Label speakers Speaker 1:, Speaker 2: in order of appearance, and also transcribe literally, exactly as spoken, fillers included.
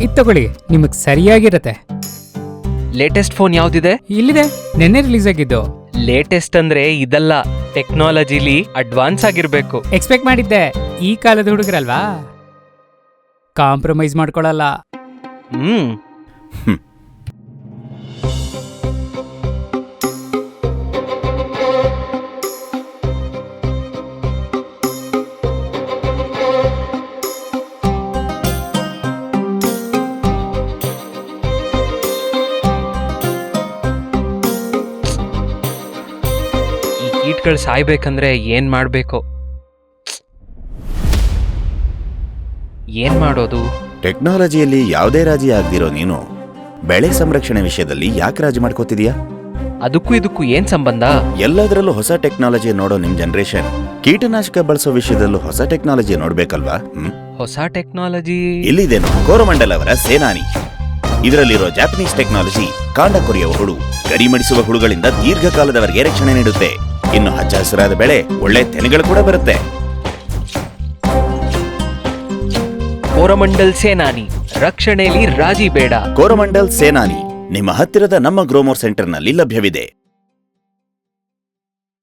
Speaker 1: ಇದ್ ತಗೊಳ್ಳಿ, ನಿಮಗ್ ಸರಿಯಾಗಿರತ್ತೆ.
Speaker 2: Latest phone ಯಾವ್ದಿದೆ?
Speaker 1: ಇಲ್ಲಿದೆ, ನೆನ್ನೆ ರಿಲೀಸ್ ಆಗಿದ್ದು.
Speaker 2: ಲೇಟೆಸ್ಟ್ ಅಂದ್ರೆ ಇದಲ್ಲ, ಟೆಕ್ನಾಲಜಿಲಿ ಅಡ್ವಾನ್ಸ್ ಆಗಿರ್ಬೇಕು.
Speaker 1: ಎಕ್ಸ್ಪೆಕ್ಟ್ ಮಾಡಿದ್ದೆ, ಈ ಕಾಲದ ಹುಡುಗರಲ್ವಾ, ಕಾಂಪ್ರಮೈಸ್ ಮಾಡ್ಕೊಳಲ್ಲ.
Speaker 2: ಹ್ಮ್ ಕೀಟ್ಗಳು ಸಾಯ್ಬೇಕಂದ್ರೆ ಏನ್ ಮಾಡ್ಬೇಕು? ಏನ್ ಮಾಡೋದು?
Speaker 3: ಟೆಕ್ನಾಲಜಿಯಲ್ಲಿ ಯಾವುದೇ ರಾಜಿ ಆಗ್ದಿರೋ ನೀನು ಬೆಳೆ ಸಂರಕ್ಷಣೆ ವಿಷಯದಲ್ಲಿ ಯಾಕೆ ರಾಜಿ ಮಾಡ್ಕೋತಿದ್ಯಾ?
Speaker 2: ಅದಕ್ಕೂ ಇದಕ್ಕೂ ಏನ್ ಸಂಬಂಧ?
Speaker 3: ಎಲ್ಲದರಲ್ಲೂ ಹೊಸ ಟೆಕ್ನಾಲಜಿ ನೋಡೋ ನಿಮ್ ಜನರೇಷನ್ ಕೀಟನಾಶಕ ಬಳಸೋ ವಿಷಯದಲ್ಲೂ ಹೊಸ ಟೆಕ್ನಾಲಜಿ ನೋಡ್ಬೇಕಲ್ವಾ? ಹ್ಮ್
Speaker 2: ಹೊಸ ಟೆಕ್ನಾಲಜಿ
Speaker 3: ಇಲ್ಲಿದೇನು, ಕೋರಮಂಡಲ್ ಅವರ ಸೇನಾನಿ. ಇದರಲ್ಲಿರೋ ಜಾಪನೀಸ್ ಟೆಕ್ನಾಲಜಿ ಕಾಂಡ ಕೊರೆಯುವ ಹುಳು, ಗರಿಮಡಿಸುವ ಹುಳುಗಳಿಂದ ದೀರ್ಘಕಾಲದವರೆಗೆ ರಕ್ಷಣೆ ನೀಡುತ್ತೆ. ಇನ್ನು ಹಚ್ಚ ಹಸಿರಾದ ಬೆಳೆ, ಒಳ್ಳೆ ತೆನೆಗಳು ಕೂಡ ಬರುತ್ತೆ.
Speaker 2: ಕೋರಮಂಡಲ್ ಸೇನಾನಿ, ರಕ್ಷಣೆಯಲ್ಲಿ ರಾಜಿ ಬೇಡ.
Speaker 3: ಕೋರಮಂಡಲ್ ಸೇನಾನಿ ನಿಮ್ಮ ಹತ್ತಿರದ ನಮ್ಮ ಗ್ರೋಮೋರ್ ಸೆಂಟರ್ನಲ್ಲಿ ಲಭ್ಯವಿದೆ.